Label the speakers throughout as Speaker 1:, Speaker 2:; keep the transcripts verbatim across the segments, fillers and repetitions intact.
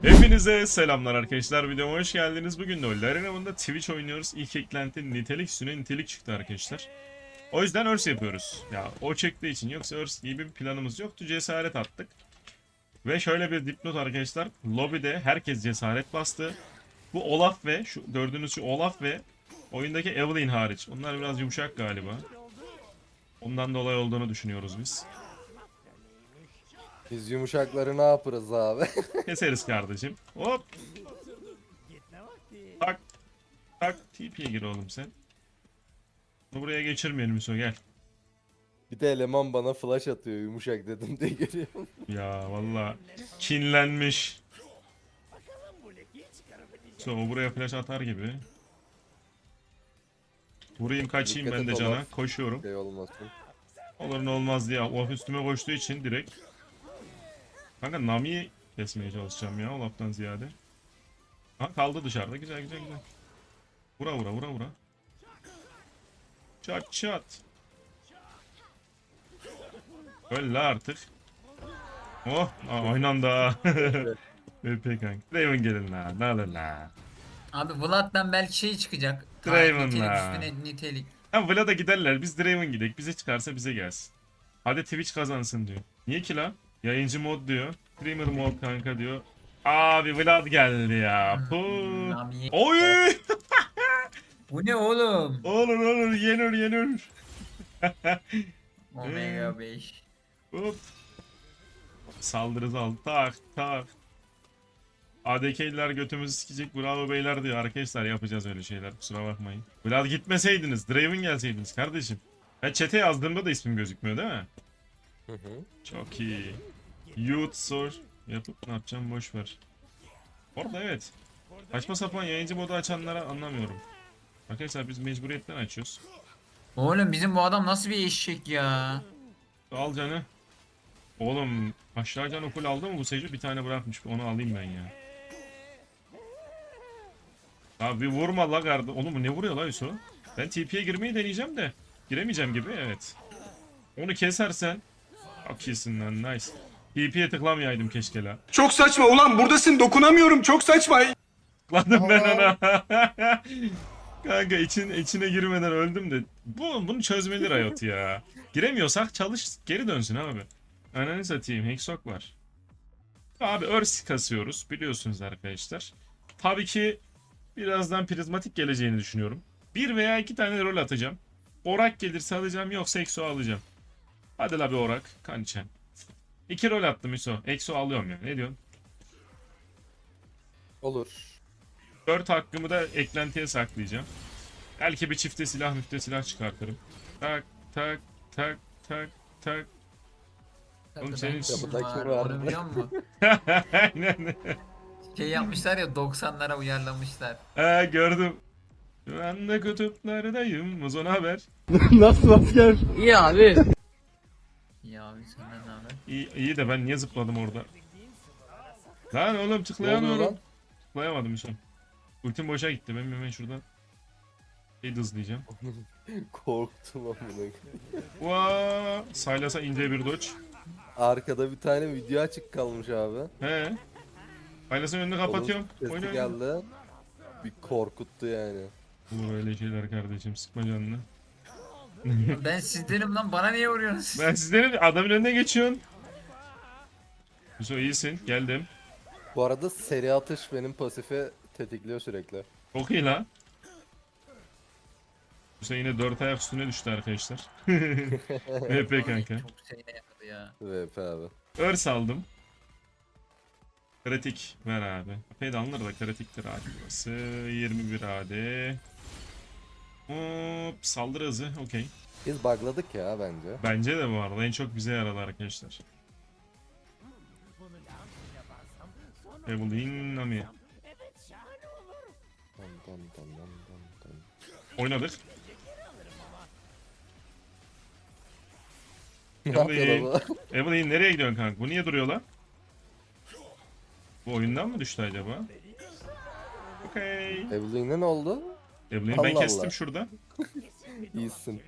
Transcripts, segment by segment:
Speaker 1: Hepinize selamlar arkadaşlar, videoma hoş geldiniz. Bugün de LoL Arena'mında Twitch oynuyoruz. İlk eklenti nitelik üstüne nitelik çıktı arkadaşlar. O yüzden örs yapıyoruz. Ya o çıktığı için, yoksa örs gibi bir planımız yoktu. Cesaret attık. Ve şöyle bir dipnot arkadaşlar. Lobide herkes cesaret bastı. Bu Olaf ve şu gördüğünüz şu Olaf ve oyundaki Evelynn hariç. Onlar biraz yumuşak galiba. Ondan dolayı olduğunu düşünüyoruz biz.
Speaker 2: Biz yumuşakları ne yaparız abi?
Speaker 1: Keseriz kardeşim. Hop. Tak. Tak. T P'ye gir oğlum sen. Bunu buraya geçirmeyelim Hüso, gel.
Speaker 2: Bir de eleman bana flash atıyor yumuşak dedim diye görüyorum.
Speaker 1: Ya valla kinlenmiş. So, o buraya flash atar gibi. Vurayım kaçayım
Speaker 2: Dikkat
Speaker 1: ben de
Speaker 2: et
Speaker 1: cana.
Speaker 2: Olaf.
Speaker 1: Koşuyorum.
Speaker 2: Şey olmasın.
Speaker 1: Olur ne olmaz diye. Olaf üstüme koştuğu için direkt. Kanka Nami'yi kesmeye çalışacağım ya Olaf'tan ziyade. Ha, kaldı dışarıda. Güzel güzel güzel. Vura vura vura vura. Çat çat. Öyle artık. Oh, aa, aynı anda. V P kanka. Draven gelin la. Ne alın la.
Speaker 3: Abi Vlad'dan belki şey çıkacak. Ta
Speaker 1: Draven
Speaker 3: nitelik
Speaker 1: la.
Speaker 3: üstüne nitelik.
Speaker 1: Ha Vlad'a giderler. Biz Draven gidelim. Bize çıkarsa bize gelsin. Hadi Twitch kazansın diyor. Niye ki lan? Yayıncı mod diyor. Streamer mod kanka diyor. Abi Vlad geldi ya. Puh.
Speaker 3: Nami.
Speaker 1: Oy!
Speaker 3: Bu ne oğlum?
Speaker 1: Olur olur yenir yenir.
Speaker 3: Omega beş.
Speaker 1: Hop. Saldırı al. Tak tak. A D K'liler götümüzü sikecek, bravo beyler diyor. Arkadaşlar yapacağız öyle şeyler, kusura bakmayın. Vlad gitmeseydiniz, Draven gelseydiniz kardeşim. Ha chat'e yazdığımda da ismim gözükmüyor değil mi?
Speaker 2: Hı hı.
Speaker 1: Çok iyi. Youth sor yapıp ne yapacağım boş ver. Orada evet. Saçma sapan yayıncı modu açanlara anlamıyorum. Arkadaşlar biz mecburiyetten açıyoruz.
Speaker 3: Oğlum bizim bu adam nasıl bir eşek ya?
Speaker 1: Al canı. Oğlum aşağı canı full aldı mı bu Seju? Bir tane bırakmış, onu alayım ben ya. Abi vurma la gardı. Oğlum ne vuruyor la Yusuf? Ben T P'ye girmeyi deneyeceğim de. Giremeyeceğim gibi, evet. Onu kesersen. Çok iyisin lan, nice. T P'ye tıklamayaydım keşke la.
Speaker 4: Çok saçma ulan buradasın dokunamıyorum çok saçma.
Speaker 1: Tıkladım ben ona. Kanka için, içine girmeden öldüm de. Bu, bunu çözmeli Riot ya. Giremiyorsak çalış geri dönsün abi. Ananı satayım, Hexok var. Abi örs kasıyoruz biliyorsunuz arkadaşlar. Tabii ki birazdan prizmatik geleceğini düşünüyorum. Bir veya iki tane rol atacağım. Orak gelirse alacağım, yoksa Exo alacağım. Hadi la bir Orak. Kançen. İki rol attım Exo. Exo alıyorum ya. Ne diyorsun?
Speaker 2: Olur.
Speaker 1: Dört hakkımı da eklentiye saklayacağım. Belki bir çifte silah müfte silah çıkartırım. Tak tak tak tak tak. Oğlum senin-
Speaker 2: Kapıda
Speaker 3: var,
Speaker 2: kim var?
Speaker 3: onu biliyor musun?
Speaker 1: Aynen.
Speaker 3: Şey yapmışlar ya doksanlara uyarlamışlar.
Speaker 1: Ee, gördüm. Şu anda kutuplardayım. Muzon haber.
Speaker 3: Ya abi senden ne haber?
Speaker 1: İyi, iyi de ben niye zıpladım orada? Lan oğlum
Speaker 2: Ne oluyor
Speaker 1: tıklayamıyorum.
Speaker 2: lan?
Speaker 1: Tıklayamadım son. Ultim boşa gitti. Ben hemen şuradan şey hızlayacağım.
Speaker 2: Korktum amına.
Speaker 1: Vaa! Saylas'a ince bir dodge.
Speaker 2: Arkada bir tane video açık kalmış abi.
Speaker 1: He. Saylas'ın önünü kapatıyorum.
Speaker 2: Onun
Speaker 1: Oyna
Speaker 2: sesi
Speaker 1: oyna.
Speaker 2: geldi. Bir korkuttu yani.
Speaker 1: Bu böyle şeyler kardeşim, sıkma canını.
Speaker 3: Ben sizdenim lan, bana niye vuruyorsunuz?
Speaker 1: Ben sizlerin adamın önüne geçiyorsun. Yusuf iyisin, geldim.
Speaker 2: Bu arada seri atış benim pasifi tetikliyor sürekli.
Speaker 1: Çok iyi lan. Yusuf yine dört ayak üstüne düştü arkadaşlar. V P kanka.
Speaker 3: Çok şeyine yaradı ya.
Speaker 2: V P abi.
Speaker 1: Örs aldım. Kritik ver abi. Epey de alınır da kritiktir abi burası. yirmi bir A D. Hop saldırı hızı okey.
Speaker 2: Biz bugladık ya bence.
Speaker 1: Bence de bu arada en çok bize yaradı arkadaşlar. Evelyn Nami.
Speaker 2: Dam dam dam dam dam dam.
Speaker 1: Oynadık.
Speaker 2: Ne yapıyor bu?
Speaker 1: Evelyn nereye gidiyorsun kanka? Bu niye duruyor lan? Bu oyundan mı düştü acaba? Okey.
Speaker 2: Evelyn'e ne oldu?
Speaker 1: Evelyn'i ben
Speaker 2: Allah
Speaker 1: kestim
Speaker 2: Allah.
Speaker 1: şurada.
Speaker 2: İyisin.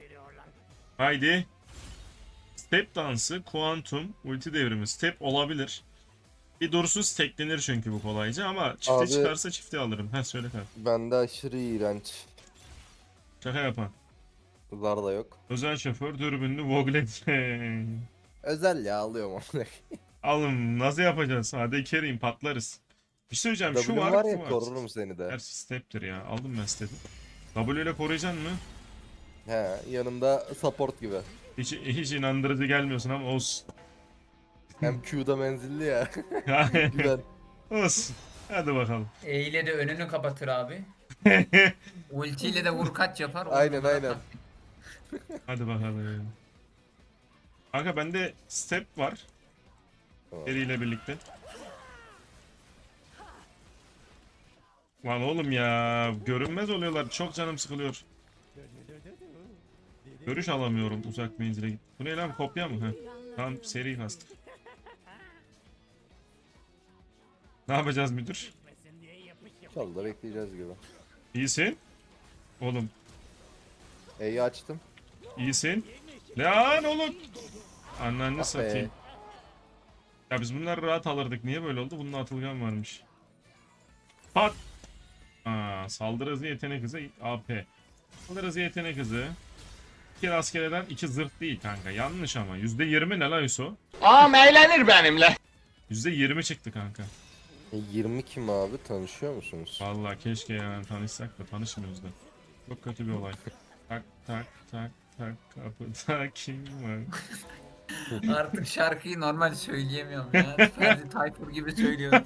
Speaker 1: Haydi. Step dansı, kuantum, ulti devrimi. Step olabilir. Bir dursuz teklenir çünkü bu kolayca ama çifte
Speaker 2: Abi-
Speaker 1: çıkarsa çifte alırım. Ha söyle kanka.
Speaker 2: Bende aşırı iğrenç.
Speaker 1: Şaka yapan.
Speaker 2: Zar da yok.
Speaker 1: Özel şoför dürbünlü Voglet.
Speaker 2: Özel ya alıyorum onu.
Speaker 1: Alın nasıl yapacağız? Hadi kerim patlarız. Bir şey söyleyeceğim şu
Speaker 2: W'm
Speaker 1: var,
Speaker 2: var
Speaker 1: bu
Speaker 2: ya
Speaker 1: var.
Speaker 2: korurum seni de.
Speaker 1: Gerçi step'tir ya. Aldım ben step'i. W ile koruyacaksın mı?
Speaker 2: He yanımda support gibi.
Speaker 1: Hiç, hiç inandırıcı gelmiyorsun ama olsun.
Speaker 2: Hem Q'da menzilli ya. Güven.
Speaker 1: Olsun. Hadi bakalım.
Speaker 3: E ile de önünü kapatır abi. Ultiyle de vur kaç yapar. on
Speaker 2: Aynen,
Speaker 3: numara
Speaker 2: aynen.
Speaker 3: taktik.
Speaker 1: Hadi bakalım. Kanka bende step var.
Speaker 2: Tamam.
Speaker 1: Geri ile birlikte. Lan oğlum ya. Görünmez oluyorlar. Çok canım sıkılıyor. Görüş alamıyorum uzak menzile git. Bu ne lan kopya mı? Heh. Tamam seri kastım. Ne yapacağız müdür?
Speaker 2: İnşallah bekleyeceğiz gibi.
Speaker 1: İyisin. Oğlum
Speaker 2: E'yi açtım.
Speaker 1: iyisin. Lan oğlum. Anneanne
Speaker 2: Ah be.
Speaker 1: satayım. Ya biz bunları rahat alırdık. Niye böyle oldu? Bunun atılgan varmış. Pat. Aa, saldırı hızı yetenek hızı A P. Saldırı hızı yetenek hızı. İki askereden iki zırh değil kanka. Yanlış ama. yüzde yirmi ne lan Yusuf?
Speaker 5: Ağam eğlenir benimle.
Speaker 1: yüzde yirmi çıktı kanka.
Speaker 2: E, yirmi kim abi tanışıyor musunuz?
Speaker 1: Vallahi keşke yani tanışsak da tanışmıyoruz da. Çok kötü bir olay. Tak tak tak tak kapıda kim var?
Speaker 3: Artık şarkıyı normal söyleyemiyorum ya. Ferdi Tayfur gibi söylüyorum.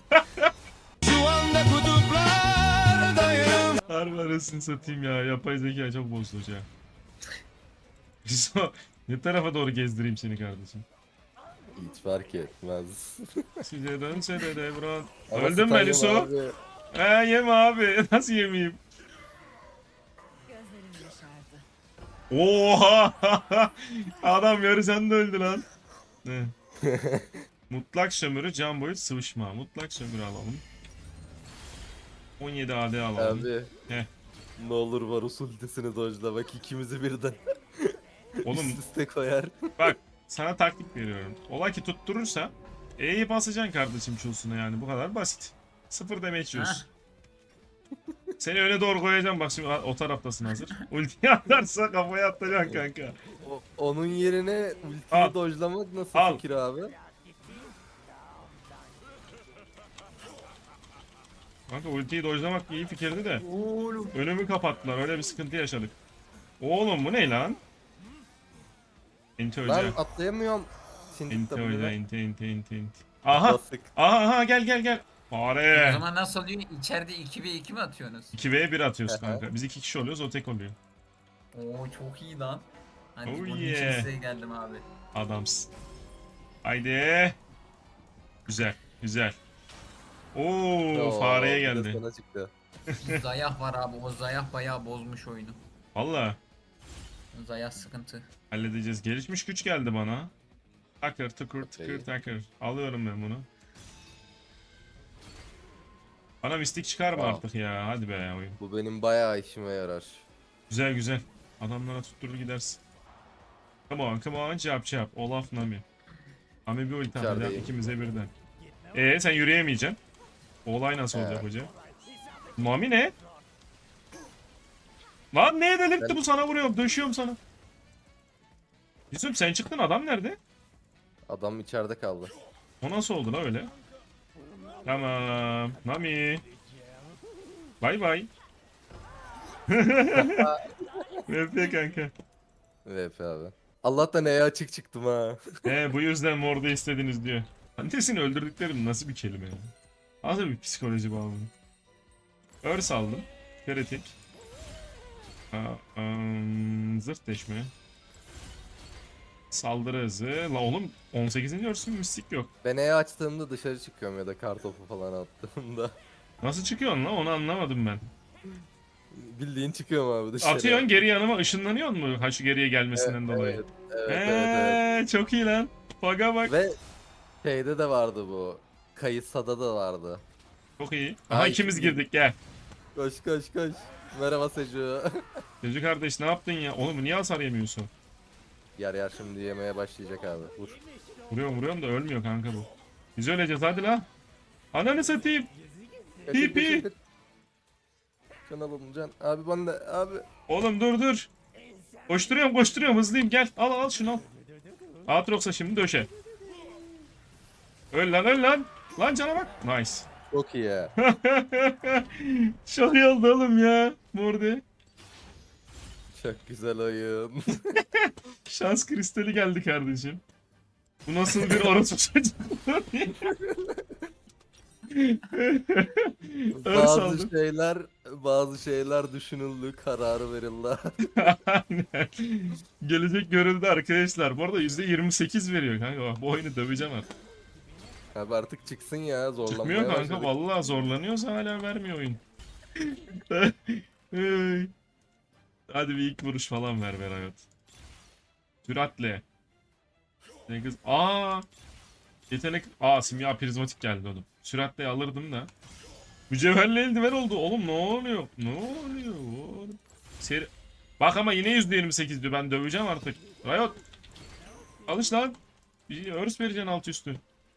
Speaker 1: Harbi arasını satayım ya. Yapay zeka çok bozulucu ya. Yusuf, ne tarafa doğru gezdireyim seni kardeşim?
Speaker 2: Hiç fark etmez.
Speaker 1: Size dönse de devran.
Speaker 2: Ama
Speaker 1: Öldün mü
Speaker 2: Stanley
Speaker 1: Yusuf?
Speaker 2: abi,
Speaker 1: He yeme abi. Nasıl yemeyeyim?
Speaker 6: Gözlerim yaşardı.
Speaker 1: Oha! Adam yarı sen de öldü lan. Ne? Mutlak sömürü can boyut sıvışma. Mutlak sömürü alalım. on yedi A D alalım.
Speaker 2: Abi.
Speaker 1: Heh.
Speaker 2: Ne olur Varus ultisini dojla bak ikimizi birden
Speaker 1: Oğlum
Speaker 2: üst üste koyar.
Speaker 1: bak sana taktik veriyorum. Ola ki tutturursa E'yi basacaksın kardeşim çulsuna yani bu kadar basit. Sıfır damage yiyorsun. Seni öne doğru koyacağım bak şimdi o taraftasın hazır. Ultiyi atarsa kafaya atacaksın kanka.
Speaker 2: O- onun yerine ultiyi
Speaker 1: Al.
Speaker 2: dojlamak nasıl
Speaker 1: Al.
Speaker 2: fikir abi?
Speaker 1: Kanka ultiyi dojlamak iyi fikirdi de.
Speaker 3: Oğlum.
Speaker 1: Önümü kapattılar öyle bir sıkıntı yaşadık. Oğlum bu ne lan? Enti
Speaker 2: Ben
Speaker 1: hoca.
Speaker 2: atlayamıyorum. Sindik
Speaker 1: Enti hoca
Speaker 2: W'ne.
Speaker 1: enti enti enti enti. Aha.
Speaker 2: Bastık.
Speaker 1: Aha aha gel gel gel.
Speaker 3: O
Speaker 1: Fare.
Speaker 3: zaman nasıl oluyor? İçeride iki ve iki mi atıyorsunuz?
Speaker 1: iki ve bir atıyoruz
Speaker 2: Aha.
Speaker 1: kanka. Biz iki kişi oluyoruz o tek oluyor.
Speaker 3: Oo çok iyi lan. Hani
Speaker 1: Oh
Speaker 3: bunun
Speaker 1: yeah.
Speaker 3: için size geldim abi.
Speaker 1: Adamsın. Haydi. Güzel güzel. Oo
Speaker 2: Oo,
Speaker 1: fareye
Speaker 2: bir de
Speaker 1: geldi.
Speaker 2: sana çıktı.
Speaker 3: Zayah var abi. O Zayah bayağı bozmuş oyunu.
Speaker 1: Valla
Speaker 3: Zayah sıkıntı.
Speaker 1: halledeceğiz. Gelişmiş güç geldi bana. Takır tıkır tıkır
Speaker 2: Okey.
Speaker 1: takır. Alıyorum ben bunu. Bana mistik çıkarma
Speaker 2: Al.
Speaker 1: artık ya. Hadi be oyun.
Speaker 2: Bu benim bayağı işime yarar.
Speaker 1: Güzel güzel. Adamlara tutturur gidersin. Come on come on çap çap. Olaf Nami. Nami bir ulti atacak
Speaker 2: İçerideyim.
Speaker 1: ikimize birden. Eee sen yürüyemeyeceksin. O olay nasıl
Speaker 2: He.
Speaker 1: olacak hoca? Nami ne? Lan neye delirtti
Speaker 2: Ben-
Speaker 1: bu sana vuruyorum. Döşüyorum sana. Yusuf sen çıktın adam nerede?
Speaker 2: Adam içeride kaldı.
Speaker 1: O nasıl oldu la öyle? Tamam. Nami. Bay bay. V P kanka.
Speaker 2: V P abi. Allah'tan E'ye açık çıktım ha.
Speaker 1: He bu yüzden morda istediniz diyor. Annesini öldürdüklerim nasıl bir kelime ya? Nasıl bir psikoloji bağımlı? Örs aldım. Kritik. Aa, ım, zırt deşme. Saldırı hızı. La oğlum on sekizinci örsün mistik yok.
Speaker 2: Ben E'ye açtığımda dışarı çıkıyorum ya da kartopu falan attığımda.
Speaker 1: Nasıl çıkıyorsun la onu anlamadım ben.
Speaker 2: Bildiğin çıkıyorum abi dışarı.
Speaker 1: Atıyorsun geri yanıma ışınlanıyor mu? Ha şu geriye gelmesinden dolayı.
Speaker 2: Evet, evet,
Speaker 1: Eee
Speaker 2: evet, evet.
Speaker 1: çok iyi lan. Baga bak.
Speaker 2: Ve şeyde de vardı bu. Kayısada da vardı.
Speaker 1: Çok iyi. Aha
Speaker 2: Ay,
Speaker 1: ikimiz
Speaker 2: iyi.
Speaker 1: girdik gel.
Speaker 2: Koş koş koş. Merhaba Seju.
Speaker 1: Çocuk kardeş ne yaptın ya? Oğlum niye hasar yemiyorsun?
Speaker 2: Yer yer şimdi yemeye başlayacak abi. Vur.
Speaker 1: Vuruyorum vuruyorum da ölmüyor kanka bu. Biz öleceğiz hadi la. Ananı satayım.
Speaker 2: Kaçın,
Speaker 1: Pi, pi.
Speaker 2: kaçın, kaçın. Can alalım can. Abi bana da abi.
Speaker 1: Oğlum dur dur. Koşturuyorum koşturuyorum hızlıyım gel. Al al şunu al. Aatrox'a şimdi döşe. Öl lan öl lan. Lan cana bak. Nice.
Speaker 2: Çok iyi ya.
Speaker 1: Çok iyi oldu oğlum ya. Mordi.
Speaker 2: Çok güzel oyun.
Speaker 1: Şans kristali geldi kardeşim. Bu nasıl bir orospu çocuğu? Örs
Speaker 2: bazı
Speaker 1: aldım.
Speaker 2: şeyler bazı şeyler düşünüldü, kararı verildi.
Speaker 1: Aynen. Gelecek görüldü arkadaşlar. Bu arada yüzde yirmi sekiz veriyor kanka. Bak, bu oyunu döveceğim artık.
Speaker 2: Abi artık çıksın ya, zorlanmaya
Speaker 1: Çıkmıyor kanka.
Speaker 2: başladık.
Speaker 1: Vallahi zorlanıyorsa hala vermiyor oyun. Hey. Hadi bir ilk vuruş falan ver ver hayat. Süratle. Ne kız? Aa! Yetenek... Aa simya prizmatik geldi oğlum. Süratle alırdım da. Mücevherli eldiven oldu. Oğlum ne oluyor? Ne oluyor oğlum? Seri... Bak ama yine yüzde yirmi sekiz diyor. Ben döveceğim artık. Riot. Alış lan. Bir örs vereceksin alt üstü.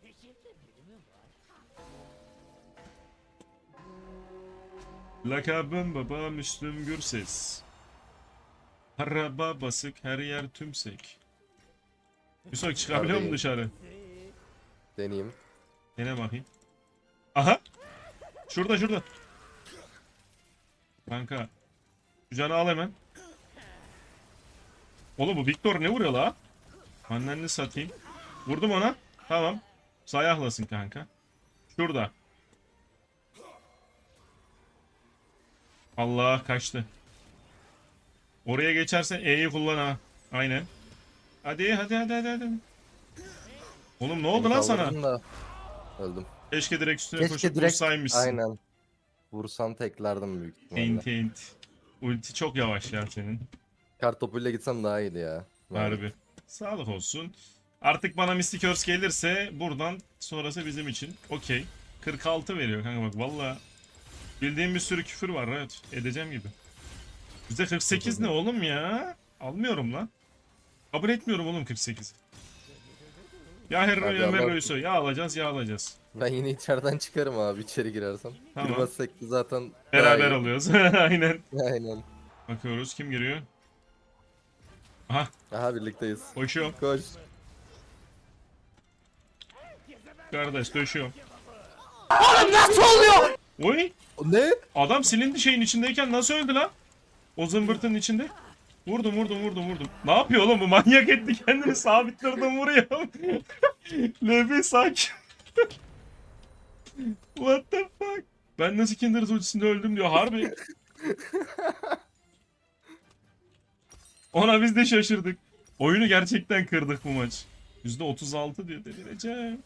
Speaker 1: Lakabım baba Müslüm Gürses. Araba basık her yer tümsek. Yusuf çıkabiliyor musun
Speaker 2: Abi.
Speaker 1: dışarı?
Speaker 2: Deneyeyim.
Speaker 1: Dene bakayım. Aha. Şurada şurada. Kanka. Şu canı al hemen. Oğlum bu Victor ne vuruyor la? Annenini satayım. Vurdum ona. Tamam. Sayahlasın kanka. Şurada. Allah kaçtı. Oraya geçersen E'yi kullan ha. Aynen. Hadi hadi hadi hadi hadi. Oğlum ne oldu lan sana?
Speaker 2: Kaldırdım da öldüm.
Speaker 1: Keşke direkt üstüne
Speaker 2: Keşke
Speaker 1: koşup
Speaker 2: direkt
Speaker 1: vursaymışsın.
Speaker 2: aynen. Vursam teklerdim büyük ihtimalle.
Speaker 1: Ent ent. Ulti çok yavaş ya senin.
Speaker 2: Kartopuyla gitsem daha iyiydi ya.
Speaker 1: Harbi. Sağlık olsun. Artık bana Mystic Earth gelirse buradan sonrası bizim için. Okey. kırk altı veriyor kanka bak valla. Bildiğim bir sürü küfür var evet. Edeceğim gibi. Bize kırk sekiz ne oğlum ya? Almıyorum lan. Kabul etmiyorum oğlum kırk sekiz. Ya
Speaker 2: Hadi
Speaker 1: Herro ya
Speaker 2: Allah-
Speaker 1: Merro'ysa ya alacağız ya alacağız.
Speaker 2: Ben yine içeriden çıkarım abi içeri girersem.
Speaker 1: Tamam.
Speaker 2: Girmezsek de zaten daha
Speaker 1: Beraber
Speaker 2: iyi.
Speaker 1: alıyoruz. Aynen.
Speaker 2: Aynen.
Speaker 1: Bakıyoruz kim giriyor? Aha
Speaker 2: Aha birlikteyiz.
Speaker 1: koşuyorum.
Speaker 2: Koş.
Speaker 1: Kardeş döşüyorum.
Speaker 5: Nasıl oluyor?
Speaker 1: Oy!
Speaker 2: Ne?
Speaker 1: Adam silindi şeyin içindeyken nasıl öldü lan? O zımbırtının içinde. Vurdum vurdum vurdum vurdum. Ne yapıyor oğlum bu manyak etti kendini sabitlerden vuruyor. L B sakin. What the fuck? Ben nasıl Kindred ultisinde öldüm diyor harbi. Ona biz de şaşırdık. Oyunu gerçekten kırdık bu maç. yüzde otuz altı diyor delireceğim.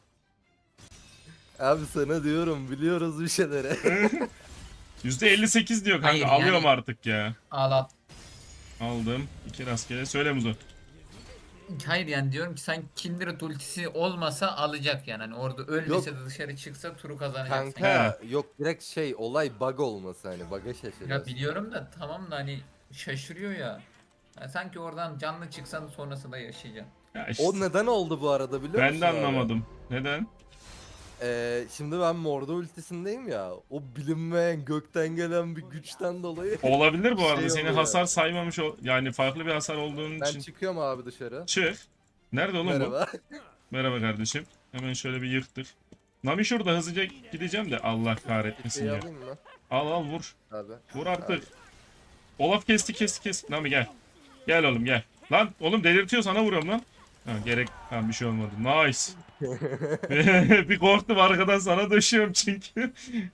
Speaker 2: Abi sana diyorum biliyoruz bir şeyleri.
Speaker 1: yüzde elli sekiz diyor kanka
Speaker 3: Hayır, yani-
Speaker 1: alıyorum artık ya.
Speaker 3: Al al.
Speaker 1: Aldım. İki rastgele. Söyle Muzo.
Speaker 3: Hayır yani diyorum ki sen Kindred ultisi olmasa alacak yani. Hani orada ölmese de dışarı çıksa turu kazanacaksın.
Speaker 2: Kanka yok direkt şey olay bug olması hani bug'a
Speaker 3: Ya
Speaker 2: şaşırıyorsun.
Speaker 3: biliyorum da tamam da hani şaşırıyor ya. Yani sanki oradan canlı çıksan sonrasında yaşayacaksın.
Speaker 1: Ya işte,
Speaker 2: O neden oldu bu arada biliyor musun
Speaker 1: ben de
Speaker 2: abi?
Speaker 1: anlamadım. Neden?
Speaker 2: Ee, şimdi ben Mordo ultisindeyim ya. O bilinmeyen gökten gelen bir güçten dolayı.
Speaker 1: Olabilir bu
Speaker 2: Şey
Speaker 1: arada. Seni
Speaker 2: oluyor.
Speaker 1: hasar saymamış ol yani farklı bir hasar olduğun
Speaker 2: Ben
Speaker 1: için.
Speaker 2: çıkıyorum abi dışarı.
Speaker 1: Çık. Nerede oğlum bu?
Speaker 2: Merhaba.
Speaker 1: Merhaba kardeşim. Hemen şöyle bir yırttık. Nami şurada hızlıca gideceğim de Allah kahretmesin
Speaker 2: Şey
Speaker 1: ya.
Speaker 2: alayım mı
Speaker 1: Al al vur.
Speaker 2: abi?
Speaker 1: Vur artık. Olaf kesti kesti kesti. Nami gel. Gel oğlum gel. Lan oğlum delirtiyor sana vuruyorum lan. Ha, gerek ha, bir şey olmadı. Nice. Bir korktum arkadan sana döşüyorum çünkü.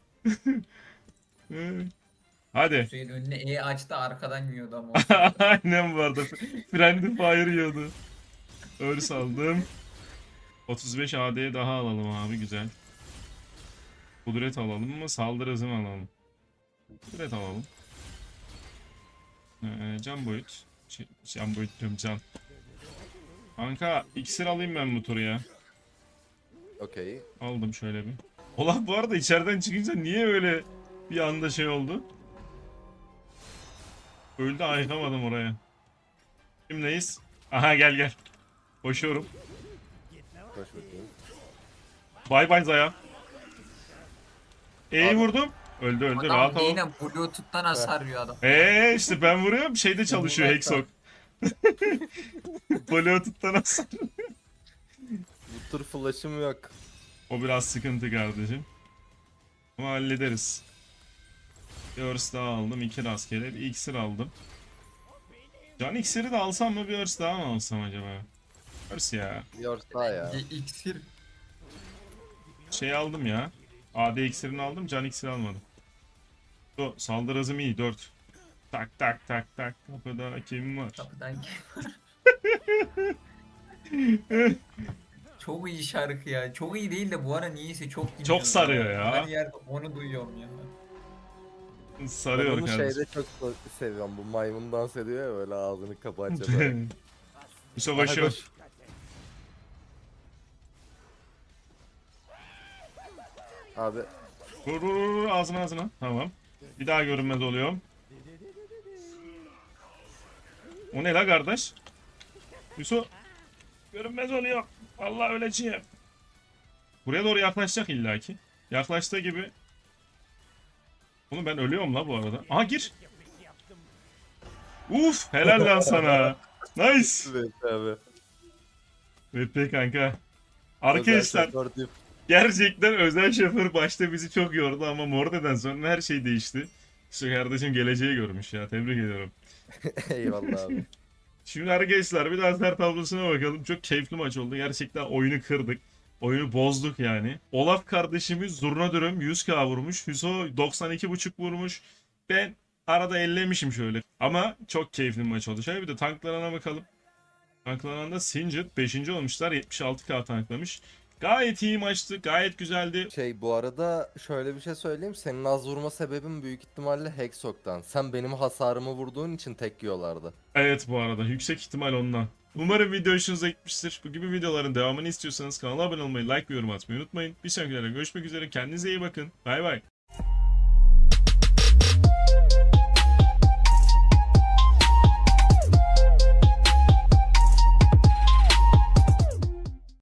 Speaker 1: Hadi.
Speaker 3: Hüseyin önüne E açtı arkadan yiyordu ama.
Speaker 1: Aynen bu arada. Friendly Fire yiyordu. Örs aldım. otuz beş A D daha alalım abi güzel. Kudret alalım mı? Saldırı hızı mı alalım? Kudret alalım. Ee, can boyut. Şey, can boyut diyorum can. Kanka iksir alayım ben bu turu ya.
Speaker 2: Okey.
Speaker 1: Aldım şöyle bir. Olaf bu arada içeriden çıkınca niye öyle bir anda şey oldu? Öldü ayıkamadım oraya. Kimleyiz? Aha gel gel. Koşuyorum.
Speaker 2: Koş bakayım.
Speaker 1: Bay bay Zaya. E'yi
Speaker 2: Abi-
Speaker 1: vurdum. Öldü öldü
Speaker 3: Adam
Speaker 1: rahat ol.
Speaker 3: yine Bluetooth'tan hasar yiyor adam.
Speaker 1: Eee işte ben vuruyorum şeyde çalışıyor
Speaker 2: Bunlar
Speaker 1: Hexok. Bluetooth'tan nasıl?
Speaker 2: Bu tur flash'ım yok.
Speaker 1: O biraz sıkıntı kardeşim. Ama hallederiz. Bir örs daha aldım. iki rastgele. Bir iksir aldım. Can iksiri de alsam mı bir örs daha mı alsam acaba? Örs ya.
Speaker 2: Yorsa ya.
Speaker 3: Bir iksir.
Speaker 1: Şey aldım ya. A D iksirini aldım. Can iksiri almadım. O saldırı hızım iyi. dört. Tak tak tak tak. Kapıda kim var?
Speaker 3: Kapıdan Çok iyi şarkı ya. Çok iyi değil de bu ara niyeyse çok dinliyorum.
Speaker 1: Çok sarıyor ya.
Speaker 3: Her yerde onu duyuyorum ya.
Speaker 2: Ben
Speaker 1: Sarıyor
Speaker 2: onu
Speaker 1: kardeşim.
Speaker 2: şeyde çok seviyorum. Bu maymun dans ediyor ya böyle ağzını kapatacak. böyle.
Speaker 1: Yusuf
Speaker 2: Aha,
Speaker 1: koşuyor.
Speaker 2: koş. Abi
Speaker 1: Vur vur vur vur, ağzına ağzına. Tamam. Bir daha görünmez oluyorum. O ne la kardeş? Yusuf. Görünmez oluyor. Allah öleceğim. Buraya doğru yaklaşacak illaki. Yaklaştığı gibi. Oğlum ben ölüyorum la bu arada. Aha gir. Uf helal lan sana. Nice.
Speaker 2: evet abi.
Speaker 1: V P kanka. Arkadaşlar
Speaker 2: Özel şoför deyip-
Speaker 1: gerçekten özel şoför başta bizi çok yordu ama Morde'den sonra her şey değişti. İşte kardeşim geleceği görmüş ya, tebrik ediyorum.
Speaker 2: Eyvallah abi.
Speaker 1: Şimdi arkadaşlar bir daha ser tablosuna bakalım. Çok keyifli maç oldu. Gerçekten oyunu kırdık. Oyunu bozduk yani. Olaf kardeşimiz zurna dürüm yüz K vurmuş. Hüso doksan iki buçuk vurmuş. Ben arada ellemişim şöyle. Ama çok keyifli bir maç oldu. Şöyle bir de tanklarına bakalım. Tanklarında Singed beşinci olmuşlar. yetmiş altı K tanklamış. Gayet iyi maçtı. Gayet güzeldi.
Speaker 2: Şey bu arada şöyle bir şey söyleyeyim. Senin az vurma sebebin büyük ihtimalle Hexok'tan. Sen benim hasarımı vurduğun için tek yiyorlardı.
Speaker 1: Evet bu arada yüksek ihtimal ondan. Umarım video hoşunuza gitmiştir. Bu gibi videoların devamını istiyorsanız kanala abone olmayı, like ve yorum atmayı unutmayın. Bir sonraki videoda görüşmek üzere. Kendinize iyi bakın. Bay bay.